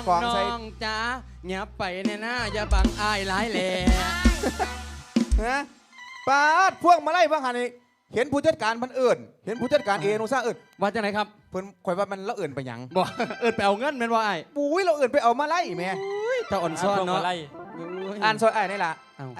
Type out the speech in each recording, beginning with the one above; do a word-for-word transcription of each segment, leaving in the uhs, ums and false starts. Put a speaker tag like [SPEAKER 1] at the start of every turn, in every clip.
[SPEAKER 1] ของใส่
[SPEAKER 2] น้องจ้าหยับไปแน่นะอย่าบังอายหลายแหล่
[SPEAKER 1] ฮะปาดพวกมาไล่บ้างหันนี่เห็นผู้จัดการมันเอิ่นเห็นผู้จัดการเอนุซ่าเอิ่น
[SPEAKER 2] ว่าจังไหนครับ
[SPEAKER 1] เพิ่นข่อยว่ามันละเอิ่นไปหยัง
[SPEAKER 2] บอกเอินไปเอาเงินแม่นว่าไอ้
[SPEAKER 1] ปุ้ยเราเอิ่นไปเอามาไล่แม่
[SPEAKER 2] เจ้าอ่อนซ้อนเนาะ
[SPEAKER 1] อ่านซอยไอ้นี่ล่ะ
[SPEAKER 2] เอ้า
[SPEAKER 1] ไอ้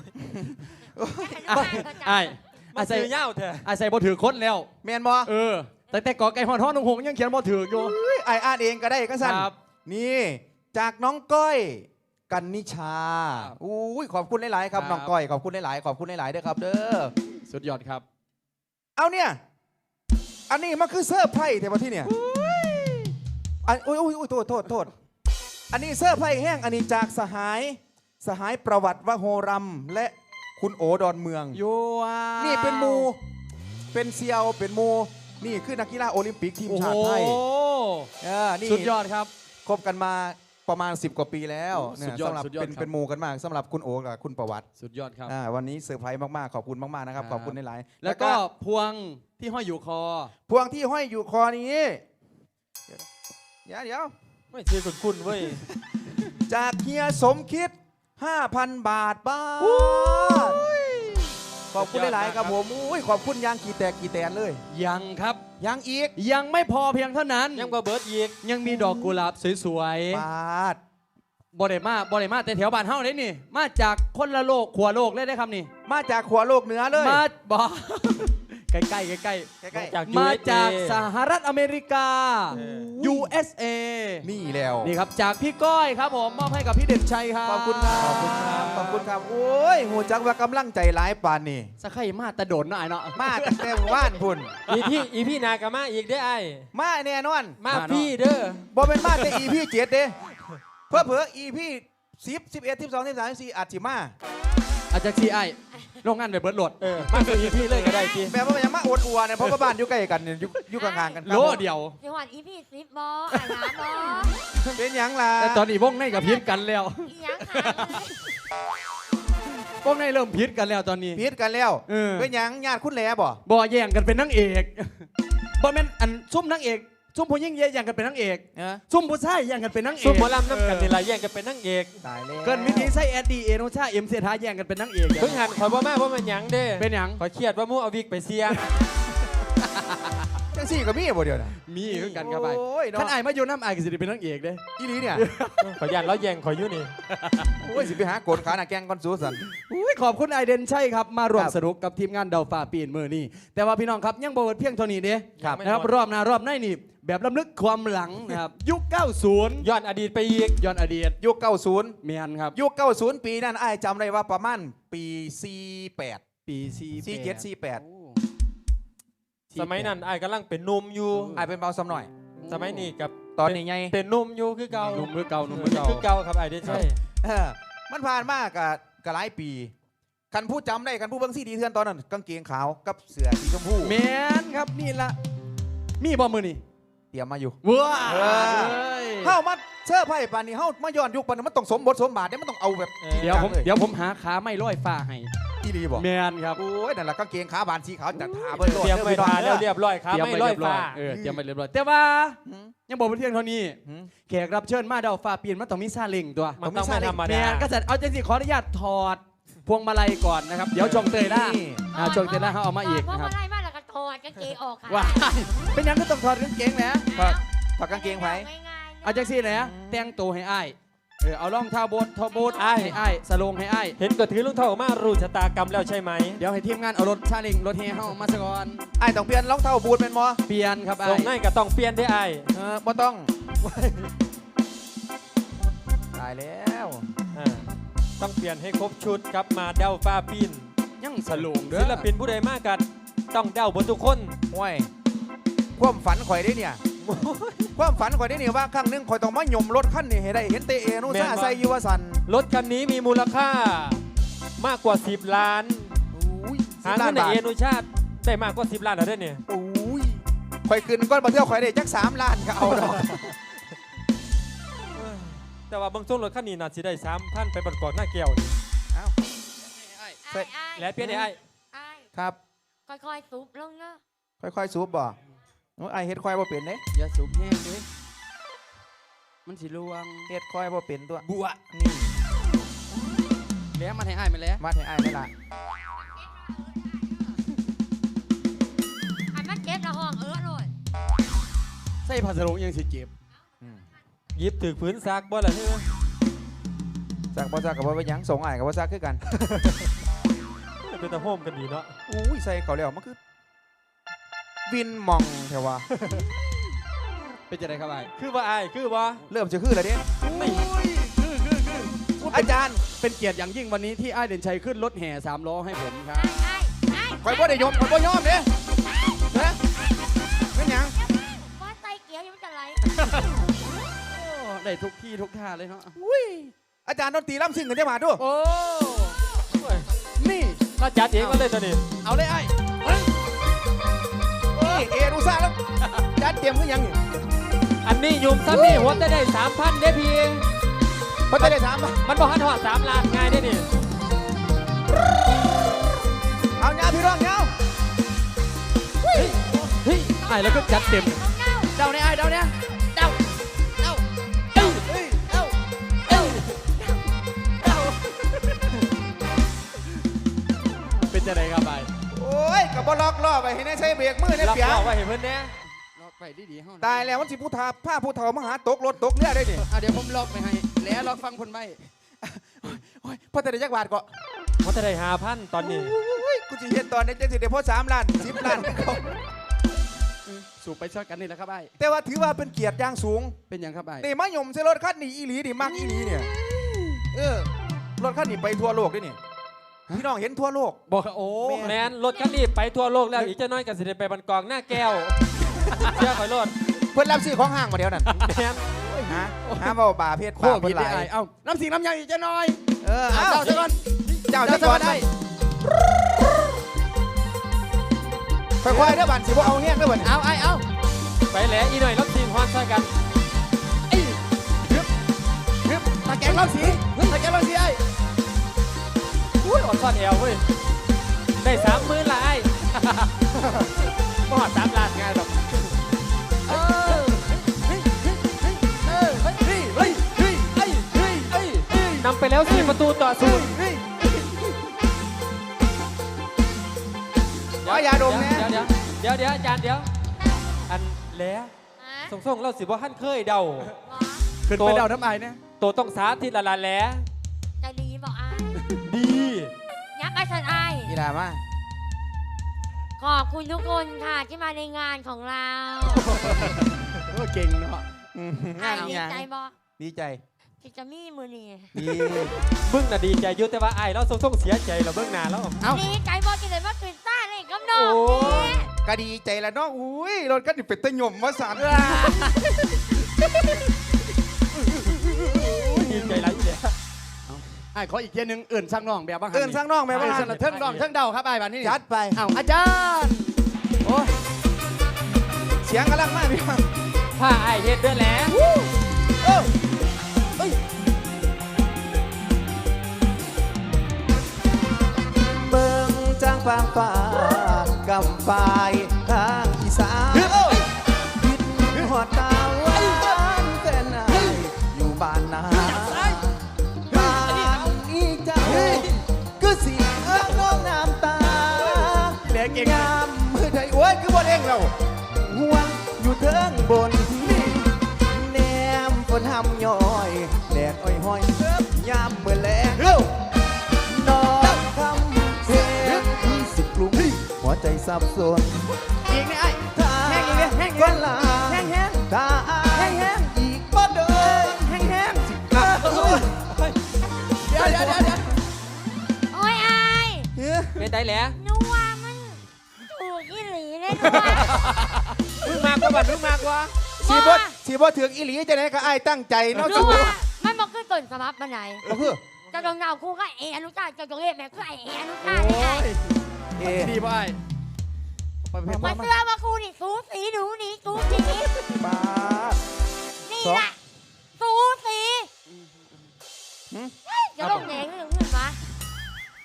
[SPEAKER 2] ไอ้
[SPEAKER 3] มา
[SPEAKER 2] อาศัย
[SPEAKER 3] ซื้อเหย้าเถอะ
[SPEAKER 2] อาศัยบ่ถือคนแล้ว
[SPEAKER 1] แมนบ่
[SPEAKER 2] เออแต่แต่กอไก่หอนท้องนงหงยังเขียนบ่ถืออยู่
[SPEAKER 1] อุ้ยไอ้อ่านเองก็ได้ก็สั่น
[SPEAKER 2] ครับ
[SPEAKER 1] นี่จากน้องก้อยกันนิชา
[SPEAKER 2] ครับ
[SPEAKER 1] อุ้ยขอบคุณหลายๆครับ
[SPEAKER 2] ครับ
[SPEAKER 1] น้องก้อยขอบคุณหลายๆขอบคุณหลายๆเด้อครับเด้อ
[SPEAKER 2] สุดยอดครับ
[SPEAKER 1] เอาเนี่ยอันนี้มันคือเสื้อร์ไพ่แต่ว่าที่เนี่ยอันอุ้ยอุ้ยอุ้ยโทษโทษโทษอันนี้เสื้อร์ไพ่แห้งอันนี้จากสหายสหายประวัติวโหรัมและคุณโอดอนเมือง
[SPEAKER 2] โยัว
[SPEAKER 1] นี่เป็นหมูเป็นเซียวเป็นหมูนี่คือนักกีฬาโอลิมปิกทีม
[SPEAKER 2] โอ้โห
[SPEAKER 1] ชาติไทยเออนี่
[SPEAKER 2] สุดยอดครับ
[SPEAKER 1] คบกันมาประมาณสิบกว่าปีแล้ว
[SPEAKER 2] โอ้
[SPEAKER 1] เนี่
[SPEAKER 2] สุ
[SPEAKER 1] ย
[SPEAKER 2] ดยอด
[SPEAKER 1] สำหรับ
[SPEAKER 2] สุดยอด
[SPEAKER 1] เป็น
[SPEAKER 2] ครับ
[SPEAKER 1] เป็นหมูกันมากสำหรับคุณโอกับคุณประวัติ
[SPEAKER 2] สุดยอดครับ
[SPEAKER 1] อ่าวันนี้เซอร์ไพรส์มากๆขอบคุณมากๆนะครับ
[SPEAKER 2] ครับ
[SPEAKER 1] ขอบคุณหลายๆ
[SPEAKER 2] แล้วก็พวงที่ห้อยอยู่คอ
[SPEAKER 1] พวงที่ห้อยอยู่คอนี้เดี๋ยวเดี๋ยว
[SPEAKER 3] ไม่ซื้อคุณคุณเว้ย
[SPEAKER 1] จากเฮียสมคิด ห้าพัน บาทบ้าทขอบคุณหลายๆครับผมอุ้ยขอบคุณยางกี่แตกกี่แตนเลย
[SPEAKER 2] ยังครับ
[SPEAKER 1] ยังอีก
[SPEAKER 2] ยังไม่พอเพียงเท่านั้น
[SPEAKER 3] ยังบ่เบิร์ดอีก
[SPEAKER 2] ยังมีดอกกุหลาบสวย
[SPEAKER 1] บาท
[SPEAKER 2] ๆบอดมาบอดมาแต่แถวบ้านเฮาเลยนี่ มาจากคนละโลกขัวโลกเลยได้ครับนี่
[SPEAKER 1] มาจากขัวโลกเหนือเลย
[SPEAKER 2] มาบอ ใกล้ๆใกล้ๆใกล้
[SPEAKER 1] ใกล้
[SPEAKER 3] จาก
[SPEAKER 2] ๆมาจาก
[SPEAKER 3] ยู
[SPEAKER 2] ส
[SPEAKER 3] เอสเอ
[SPEAKER 2] หรัฐอเมริกา
[SPEAKER 3] เออ
[SPEAKER 2] ยู เอส เอ
[SPEAKER 1] ๆนี่แล้ว
[SPEAKER 2] นี่ครับจากพี่ก้อยครับผมมอบให้กับพี่เด่นชัยครับ
[SPEAKER 1] ขอบคุณครับขอบคุณครับขอบคุณครับโอ้ยหูจักว่ากำลังใจร้ายปานนี่
[SPEAKER 2] สักไข่มาแตะโดนหน่อยเนาะ
[SPEAKER 1] มาตั้งแต่หมู่บ้านพุ่น
[SPEAKER 3] อีพี่อีพี่นากามาอีกได้ไอ้
[SPEAKER 1] มาแน่นอน
[SPEAKER 3] มา
[SPEAKER 2] มาเนอะ
[SPEAKER 3] พี่เด้อ
[SPEAKER 1] บ่เป็นมาแต่อีพี่เจ็ดเด้เพื่อเผื่ออีพี่สิบสิบเอ็ดสิบสองสิบสามสิบสี่อาจสิมา
[SPEAKER 2] อาจจะซีไอโรงงานไปเบิร์ดโหลด
[SPEAKER 3] เออมาซื้ออีพี่เลยก็ได้พี่
[SPEAKER 1] แบบว่ามันยังมาอวดอัวเนี่ยเพราะว่าบ้านอยู่ใกล้กันเนี่ยอยู่อยู่ข้างๆกันครับ
[SPEAKER 2] โลเดียว
[SPEAKER 4] จังหวัดอีพี่ซิปบออ่านน้ำบอ
[SPEAKER 1] เป็นหยังล่ะ
[SPEAKER 2] แต่ตอนนี้วงในกับพิษกันแล้ว
[SPEAKER 4] อีหยังหาเลยว
[SPEAKER 2] งในเริ่มพิษกันแล้วตอนนี้
[SPEAKER 1] พีดกันแล้ว
[SPEAKER 2] เออ
[SPEAKER 1] เป็นหยังญาติคุณแหล่บ่
[SPEAKER 2] บ่แย่งกันเป็นนางเอกบ่แม่นอันซุ่มนางเอกซุ่มผู้ยิ่งแย่งกันเป็นนางเอก
[SPEAKER 1] เออ
[SPEAKER 2] ซุ่มผู้ชายแย่งกันเป็นนางเอก
[SPEAKER 3] ซุปหมอลำน้ำกันนี่ละแย่งกันเป็นนางเอก
[SPEAKER 1] ตายแล้ว
[SPEAKER 2] เกินวิธีใส่แอดดีเอโนชาเอ็มเซทาแย่งกันเป็นนางเอก
[SPEAKER 3] เพิ่งหันขอยบ่มาเพราะมันหยังเด้
[SPEAKER 2] เป็นหยัง
[SPEAKER 3] ขอยเครียดว่ามู่เอาวิกไปเสีย
[SPEAKER 1] จังสี่ก็มีบ่เดียวนะ
[SPEAKER 2] มีคือกันครับไป
[SPEAKER 1] โอ้ย
[SPEAKER 2] ท่าน
[SPEAKER 1] เนาะ
[SPEAKER 2] ไอ้ายมาอยู่น้ำไอ้ายก็สิได้เป็นนางเอกเด้
[SPEAKER 1] อีหลีเนี่ย
[SPEAKER 3] ขอยยันแล้วแย่งขอยอยู่นี่
[SPEAKER 1] โอ้ยสิไปหาโกนขาหน้าแกงก่อนสู้สัน
[SPEAKER 2] อุ้ยขอบคุณไอเดนใช่ครับมารวม
[SPEAKER 1] ครับ
[SPEAKER 2] สนุกกับทีมงานเดาฝ่าปีนมือนี่แต่ว่าพี่น้องครับยังบ่เบิดเพียงเท่านี้เด้
[SPEAKER 1] ครับ
[SPEAKER 2] นะครับรอบหน้ารอบหน้านี่แบบล้ำลึกความหลังนะครับยุค เก้าสิบ
[SPEAKER 3] ย้อนอดีตไปอีก
[SPEAKER 2] ย้อนอดีต
[SPEAKER 1] ยุคเก้าศูนย์
[SPEAKER 2] เมียนครับ
[SPEAKER 1] ยุคเก้าศูนย์ปีนั้นอ้ายจำได้ว่าประมาณปีสี่แปด
[SPEAKER 2] ปีซี
[SPEAKER 1] สี่เจ็ดสี่แปด
[SPEAKER 3] สมัยนั้นไอ้กำลังเป็นหนุ่มอยู่
[SPEAKER 1] อ้ายเป็นเบาซ้ำหน่อย
[SPEAKER 3] สมัยนี้กับ
[SPEAKER 1] ตอนนี้ไง
[SPEAKER 3] เป็นหนุ่มอยู่คือเก่า
[SPEAKER 2] หนุ่มมือเก่าหนุ่มมือเก่า
[SPEAKER 3] คือเก่าครับไอ้ได้ใช่
[SPEAKER 1] เออมันผ่านมากกับกับหลายปี คันผู้จำได้คันผู้เบิ่งซีดีเทือนตอนนั้นกางเกงขาวกับเสื้อสีชมพู
[SPEAKER 2] เมียนครับนี่ละมีบอมือนี่
[SPEAKER 1] เตรียมมาอยู่
[SPEAKER 2] ว้า
[SPEAKER 1] เออ เฮามาเสื้อร์ไพ่ปานนี้เฮามาย้อนยุคปานนี้มันต้องสมบทสมบาทเนี่ยมันต้องเอาแบบจริง
[SPEAKER 2] เดี๋ยว
[SPEAKER 1] จัง
[SPEAKER 2] ผม
[SPEAKER 1] เลย
[SPEAKER 2] เดี๋ยวผมหาขาไม่ร้อยฟ้าให้
[SPEAKER 1] อีหลีบอก
[SPEAKER 2] เมียนครับ
[SPEAKER 1] โอ้ยนั่นแหละกางเกงขาบานสีขาวจัดทาเบิ่งโลด
[SPEAKER 3] เตรียมไว้
[SPEAKER 1] ด้อ
[SPEAKER 3] ทา
[SPEAKER 1] พี่
[SPEAKER 3] แล้
[SPEAKER 1] น้
[SPEAKER 3] ว
[SPEAKER 1] อง
[SPEAKER 3] เรียบร้อยครับ
[SPEAKER 2] เตรียม
[SPEAKER 3] ไม่
[SPEAKER 2] ไป
[SPEAKER 3] ร้อย
[SPEAKER 2] เรียบร้อ
[SPEAKER 3] ฟ้าย
[SPEAKER 2] เออเตรียมไปเรียบร้อยแต่ว่า
[SPEAKER 1] หืม
[SPEAKER 2] ยังบอกเป็นเพียงเท่านี้
[SPEAKER 1] หืม
[SPEAKER 2] แขกรับเชิญมาเดาฟ้าปีนมันต้องมีซาเล้งตัว
[SPEAKER 3] มันต้องไม่ธรรม
[SPEAKER 2] เมี
[SPEAKER 3] ดาย
[SPEAKER 2] นก็จะเอาใจสิขออนุญาตถอดพวงมาลัยก่อนนะครับเดี๋ยวชงเตยล่า
[SPEAKER 1] นี่
[SPEAKER 2] อ่าชงเตยล่าเขาเอามาอีก
[SPEAKER 4] เพราะ
[SPEAKER 2] นะครับ
[SPEAKER 4] ว่าได้มาแล้วก็ถอดกางเกงออกค่ะ
[SPEAKER 2] ว้ายเป็นหยังก็ต้องถอดกางเกงแหละ
[SPEAKER 1] ครับถอดกางเกงไว้
[SPEAKER 4] ง่ายๆ
[SPEAKER 2] เอาจังซี่แหละแต่งตัวให้อ้ายเออเอารองเท้าบูททอบูทให้อ้ายสโลงให้อ้าย
[SPEAKER 3] เห็นก็ถือลุงเท่ามารู้ชะตากรรมแล้วใช่ไหม
[SPEAKER 2] เดี๋ยวให้ทีมงานเอารถซาเล้งรถเฮเฮามาซะก่อน
[SPEAKER 1] ไอ้ายต้องเปลี่ยนรองเท้าบูทเป็นมอ
[SPEAKER 2] เปลี่ยนครับ
[SPEAKER 3] ตร
[SPEAKER 2] อ้าง ย
[SPEAKER 3] นั้นก็ต้องเปลี่ยนได้ไอ้
[SPEAKER 1] เออบ่ต้อง ตายแล้ว
[SPEAKER 3] อ่าต้องเปลี่ยนให้ครบชุดครับมาเดาฟ้าปิน
[SPEAKER 2] ยังสโลงเด้อ
[SPEAKER 3] ศิลปินผู้ใดมากกันต้องเดาบนทุกคน
[SPEAKER 1] โอ้ยความฝันข่อยได้เนี่ย ความฝันข่อยได้เนี่ยว่าครั้งหนึงข่อยต้องมาหย่มรถคันนี้ให้ได้เห็นเตเอนุซ่าใส่อยูวสัน
[SPEAKER 3] รถคันนี้มีมูลค่ามากกว่า สิบ ล้าน
[SPEAKER 1] อุ้ย
[SPEAKER 3] หา
[SPEAKER 1] สิบล้า
[SPEAKER 3] เงิ
[SPEAKER 1] น
[SPEAKER 3] นใน
[SPEAKER 1] บาท
[SPEAKER 3] เอนุชาติได้มากกว่า สิบ ล้านแล้วได้เนี่ย
[SPEAKER 1] อุ้ยข่อยขึ้นก้อนมาเที่ยวข่อยได้จักสามล้านก็เอาดอก
[SPEAKER 3] แต่ว่าบางช่วงรถคันนี้น่าจะได้สามพันไปประกอบหน้าเกี่ยวนี่
[SPEAKER 1] เอ้า
[SPEAKER 4] อ้ายอ้าย
[SPEAKER 3] และเปลี่ยนได้ไอ้
[SPEAKER 4] อ้าย
[SPEAKER 1] ครับ
[SPEAKER 4] ค่อยๆซุบลงเนาะ
[SPEAKER 1] ค่อยๆซูบบ่โอ้ยไอเฮ็ดควายบ่เป็นเด้
[SPEAKER 2] อย่าสูบแห้งเลยมันสิลวง
[SPEAKER 1] เฮ็ดคอยบ่เป็นตัว
[SPEAKER 2] บัว
[SPEAKER 1] นี่
[SPEAKER 2] แล้วมันให้อ้ายมาแล้ว
[SPEAKER 1] มาให้อ้ายได้ละ
[SPEAKER 4] อันมันเก็บละห้องเออเลย
[SPEAKER 2] ใส่ผ้าสรงยังสิเจ็บ
[SPEAKER 1] อืม
[SPEAKER 3] หยิบถือพื้นซากบ่ล่ะเฮ้ย
[SPEAKER 1] ซักบ่ซักก็บ่เป็นหยังส่งอ้ายก็บ่ซักคือกัน
[SPEAKER 3] เป็นตะโฮมกันดีเนาะ
[SPEAKER 1] อุ้ยใส่เขาแล้วมันคือวินมองแถวว่า
[SPEAKER 2] เป็นจะได้ครับอ้าย
[SPEAKER 3] คือว่าอายคือว่า
[SPEAKER 1] เริ่มจะคือแล้วเด้
[SPEAKER 2] ไม่คือคือคือ
[SPEAKER 1] อาจารย์
[SPEAKER 2] เป็นเกียรติอย่างยิ่งวันนี้ที่อ้ายเด่นชัยขึ้นรถแห่สามล้อให้ผมครับ
[SPEAKER 4] ไอ้ไอ้
[SPEAKER 1] คอยบ่ได้ยอมคอยบ่ยอมเด้ฮะเป็นหยัง
[SPEAKER 4] ว่าไตเกียวยังไม่จะไหล
[SPEAKER 2] โอ้ได้ทุกที่ทุกท่าเลยเนาะ
[SPEAKER 1] อุ้ยอาจารย์ดนตรีล่ำซิ่งกันจะมาดู
[SPEAKER 2] โอ้นี่
[SPEAKER 3] เราจัดเองก็เลยตัวนี้
[SPEAKER 2] เอาเลยไอ้
[SPEAKER 1] นี่เอดูซ่าแล้วจัดเตรียมคือหยังนี่
[SPEAKER 3] อันนี้ยุมซ้ำนี่หัวจะได้สามพันเด้พี่
[SPEAKER 1] เพราะจะได้ถามว่า
[SPEAKER 3] มันบอกหันหอดสามล้านง่ายได้นี่
[SPEAKER 1] เอาเงาพี่ร้องเงา
[SPEAKER 2] เฮ้ยไอ้แล้วก็จัดเต็ม
[SPEAKER 4] เน่า
[SPEAKER 2] เดาเนี่ยไอ้เดาเนี่ยเดาเดาเดาเฮ้ยเดาเดาเดาเป็นจะได้ครับไอ้
[SPEAKER 1] โอ้ยกับบล็อกล่อไปให้แน่ใช้เบรกมือเนี่ย
[SPEAKER 3] รับ
[SPEAKER 1] เปีย
[SPEAKER 3] รองไว้เห็นเพื่อนแน่
[SPEAKER 2] ล็อกไปดีๆเฮา
[SPEAKER 1] ตายแล้วมันสิผู้ทาผ้าผู้เฒ่ามาหาตกรถตกเรือได้ดิ
[SPEAKER 2] อ่ะเดี๋ยวผมล็อกไปให้แล้วล็อกฟังคนใบ
[SPEAKER 1] โอ้ยพ่อแต่ได้จักบาทก็
[SPEAKER 3] หัวจะได้ห้าพันตอนนี้
[SPEAKER 1] โอ้ยกูจะเห็นตอนนี้จะสิเดี๋ยวพ่อสามล้านสิบล้านเขา
[SPEAKER 2] สูบไปช็อตกันนี่แหละครับไอ้
[SPEAKER 1] แต่ว่าถือว่าเป็นเกียรติอย่างสูง
[SPEAKER 2] เป็นอย่างครับไอ้
[SPEAKER 1] นี่มายมใช้รถคันนี้อีหลีนี่มักอีหลีเนี่ยเออรถคันนี้ไปทั่วโลกด้วยนี่พี่น้องเห็นทั่วโลก
[SPEAKER 2] บอกโอ้
[SPEAKER 3] แมนรถคันนี้ไปทั่วโลกแล้วอีกจะน้อยกันสิได้ไปบันกองหน้าแก้วเชื่อคอยรถ
[SPEAKER 1] เพื่อนรับซื้อของห้างมาเดียวนั่น
[SPEAKER 3] แมน
[SPEAKER 1] ฮะหาเบาบ่าเพศ
[SPEAKER 2] โค
[SPEAKER 1] ป่า
[SPEAKER 2] ตร
[SPEAKER 1] เพิ่
[SPEAKER 2] ผิ
[SPEAKER 1] น
[SPEAKER 2] ด
[SPEAKER 1] ห
[SPEAKER 2] ได้
[SPEAKER 1] ลา
[SPEAKER 2] ไอ้
[SPEAKER 1] ย
[SPEAKER 2] เอ้าน้ำสิงน้ำยังอีกจะหน่อย
[SPEAKER 1] เออ
[SPEAKER 2] เอา
[SPEAKER 1] เอา
[SPEAKER 2] เจ้าซะก่อน
[SPEAKER 1] เจ้าจะก่อน
[SPEAKER 2] ได้
[SPEAKER 1] ค่อยๆเด้อบันสิบ่เอาแห้งเด้อบัดนี้
[SPEAKER 2] เอาไอ้เอา
[SPEAKER 3] ไปแหล้วอีหน่อยรับทีมฮอนใส่กัน
[SPEAKER 2] ฮึบตะแกรงเล่าสีตะแกรงเล่าสีไอ้
[SPEAKER 3] อุ้ยอดซ่อนแอวเว้ยได้สามหมื่นละไอ้ บ่หอดสามล้านง่ายหรอก
[SPEAKER 2] เออเฮ้ยเฮ้ยเฮ้ยเออเฮ้ยเฮ้ยเฮ้ยเฮ้ยเฮ้ยเฮ้ยเฮ้ยเฮ้ย
[SPEAKER 3] นำไปแล้วสี่ประตูต่อศูนย์
[SPEAKER 2] เฮ้ย
[SPEAKER 1] ขอยาดมแน่
[SPEAKER 3] เดี๋ยวเดี๋ยวเดี๋ยวเดี๋ยวอาจารย์เดี๋ยวอันแหล้ว
[SPEAKER 4] ฮะ
[SPEAKER 3] ส่งส่งๆเราสิบ่ท่านเคยเดา
[SPEAKER 4] หมอ
[SPEAKER 2] ขึ้นไปเดาน้ำไอ้เนี่ย
[SPEAKER 3] ตัวต้องสาธิตละละแหล้ว
[SPEAKER 4] ใจดีบอกไอ้
[SPEAKER 3] ดี
[SPEAKER 4] ยักษ์ไอ้สันไอ้
[SPEAKER 1] อีหลามา
[SPEAKER 4] ขอบคุณทุกคนค่ะที่มาในงานของเรา
[SPEAKER 2] โอ้เก่งเนาะ
[SPEAKER 1] อืม
[SPEAKER 4] ไอ้
[SPEAKER 1] งานอี
[SPEAKER 4] ดี
[SPEAKER 1] หยัง
[SPEAKER 4] ใจบอก
[SPEAKER 1] ดีใจ
[SPEAKER 4] ที่จะมีมือนี่
[SPEAKER 1] ดี
[SPEAKER 3] มึงน่ะดีใจอยุ่แต่ว่าไอ้เราส่งส่งๆเสียใจเราเบื้องหน้าแล้ว
[SPEAKER 2] เอา
[SPEAKER 4] ดีใจบอกที่เลยว่าตื่นต้านเลยกับน้อง
[SPEAKER 3] โอ้
[SPEAKER 4] นี่
[SPEAKER 1] ก็ดีใจแล้วเนาะอุ้ยรถคันนี้เป็นตะหย่อมมาสาน
[SPEAKER 3] ดีใจไรอยู่เนี่ย
[SPEAKER 2] ไอ้ขออีกเทียหนึงเอื่นสร้างน้องแบบบ้าง
[SPEAKER 1] เอิ้นสร้างน้องแม่
[SPEAKER 2] เอื่
[SPEAKER 1] บ้าน น
[SPEAKER 2] สร้างน้องเทิงน้องเทิงเดาครับไอ้บ้านนี้
[SPEAKER 1] จัดไป
[SPEAKER 2] เอาอาจารย์โอ้ย
[SPEAKER 1] เสียงกำลังมากพี่น้อง
[SPEAKER 3] ผ้าไอ้เฮ็ดด้วยแหล้ว
[SPEAKER 1] เออเอ้ยเบิ่งจางฟางฟ้ากำปายทางอีสานคิดหอดตาหวานแฟนนายอยู่บ้านนาบ้านอีเจ้าก็สิเอื้องน้องน้ำตา
[SPEAKER 2] เหลือเก่ง
[SPEAKER 1] ยามมือไทยโอ้ยคือบนเองเราห่วงอยู่เทิงบนที่แนมฝนหำย้อยแดดอ้อยห้อยยามเมื่อแลงนอนคำเพลงที่สิบกลุ่มหัวใจสับสน
[SPEAKER 2] อีกนี่ไอ้
[SPEAKER 1] ถ้า
[SPEAKER 2] แห้งอีกเนี่ยแห้งอีก
[SPEAKER 1] ก็
[SPEAKER 2] เนี่ย
[SPEAKER 1] ลา
[SPEAKER 2] แห้งแห้ง
[SPEAKER 1] ถ้าแห้งแห้งอีกบ่เดิน
[SPEAKER 2] แห้งแห้ง
[SPEAKER 1] กลับ
[SPEAKER 2] เดี๋ยวเดี๋ยวเดี๋ยวเดี๋ยว
[SPEAKER 4] โอ้ยไอ้
[SPEAKER 1] เฮ้ย
[SPEAKER 3] เป็นได้แหล้ว
[SPEAKER 4] นัวมันถูกอีหลีเลยนัว
[SPEAKER 3] มึงมากกว่าบัดมึงมากกว่า
[SPEAKER 1] สีบ่สีบ่ถึงอีหลีจะไหนก็ไอ้ายตั้งใจเนาะ
[SPEAKER 4] นั
[SPEAKER 1] สู
[SPEAKER 4] วมันบอกคือต้นสมับมาไหน
[SPEAKER 1] ก็คือ
[SPEAKER 4] เจะจงเงาคู่ก็เออนุชาเจะจงเรียกแม่คือไอเออนุชานี่ไง
[SPEAKER 1] เอ๊ะ
[SPEAKER 2] ดีป่ะไอ้ไปไป
[SPEAKER 4] มาเสื้อมาคู่นี่สูสีหนูนี่สูสี
[SPEAKER 1] ป้าด
[SPEAKER 4] นี่
[SPEAKER 1] สอง
[SPEAKER 4] แหละสูสี
[SPEAKER 1] หืม
[SPEAKER 4] จะลงแดงหรือเงินวะ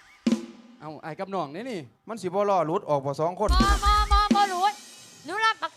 [SPEAKER 2] เอาไอ้กับน้องนี่นี่
[SPEAKER 1] มันสิบ่ล่อหลุดออกบ่สองคน
[SPEAKER 4] บอบอบอบอรู้หนูรับประ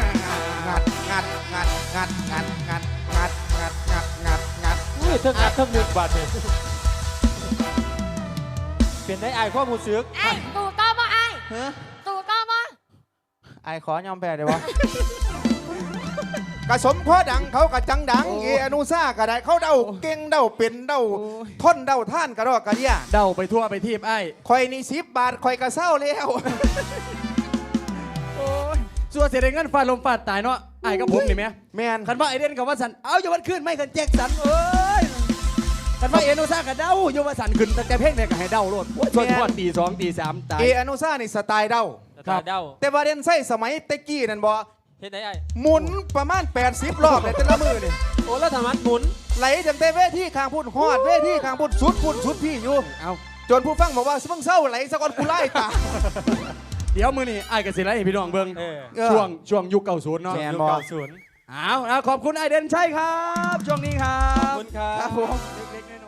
[SPEAKER 1] งัดงัดงัดงัดงัดงัดงัดงัดงัดงัดงัด
[SPEAKER 3] อุ้ยเทิงอัดเทิงมุกบาดเนี่ยเป็นได้ไอ้ข้อมูลซึก
[SPEAKER 4] ไอ้ตู่ต้อบ่ไอ้
[SPEAKER 1] ฮะ
[SPEAKER 4] ตู่ต้อบ่
[SPEAKER 1] ไอ้ขอยอมแพ้ได้บ่กระสมพ่อดังเขากระจังดังเออนุซ่าก็ได้เขาเดาเก่งเดาเป็นเดาทนเดาท่านกระดอกกระเดีย
[SPEAKER 2] เดาไปทั่วไปทีบไอ้
[SPEAKER 1] คอยนี่สิบบาทคอยกระเศร้าแล้ว
[SPEAKER 2] โอ้ยสัวเสียเงินฟาดลมฟาดตายเนาะไอ้กับผมนี่ไหม
[SPEAKER 1] แมน
[SPEAKER 2] คันว่าไอเดนกับว่าสันเอาอย่าวันขึ้นไม่คันแจ็คสันเอ้ยคันว่าเอโนซ่ากับเดาอย่าว่าสันขึ้นแต่แต่เพ่งเนี่ยก็ให้เดาโลดโอ้ยชวนทอดตีสองตีสามตาย
[SPEAKER 1] เออนุซ่านี่สไตล์เดา
[SPEAKER 2] ครับ
[SPEAKER 3] เดา
[SPEAKER 1] แต่ว่าเด่นไส้สมัยเตะกี้นั่นบ่
[SPEAKER 3] เฮ็ดได้ไอ้
[SPEAKER 1] หมุนประมาณแปดสิบรอบเลยแต่ละมือนี่
[SPEAKER 3] โอ้แล้วทำมันหมุน
[SPEAKER 1] ไหลจากเตเวทีข้างพุ่นฮอดเวทีข้างพุ่นสุดพุ่นสุดพี่อยู่
[SPEAKER 2] เอา
[SPEAKER 1] จนผู้ฟังบอกว่าเพิ่งเศร้าไหลสะกอนกูไล่ตา
[SPEAKER 2] เดี๋ยวมือนี่ไอ้กับสิไรให้พี่น้องเบิ้ง
[SPEAKER 3] เออ
[SPEAKER 1] เออ
[SPEAKER 2] ช่วงช่วงยุคเก่าศูนย์เนาะ
[SPEAKER 1] แม่น
[SPEAKER 3] ยุค
[SPEAKER 1] บ่
[SPEAKER 3] เก้าศูนย์
[SPEAKER 2] เอาเอาขอบคุณไอเดนใช่ครับ ช่วงนี้ครั
[SPEAKER 3] ขอบบ คุณครั
[SPEAKER 1] ครับ
[SPEAKER 3] บ
[SPEAKER 1] ผม
[SPEAKER 2] เล็กๆ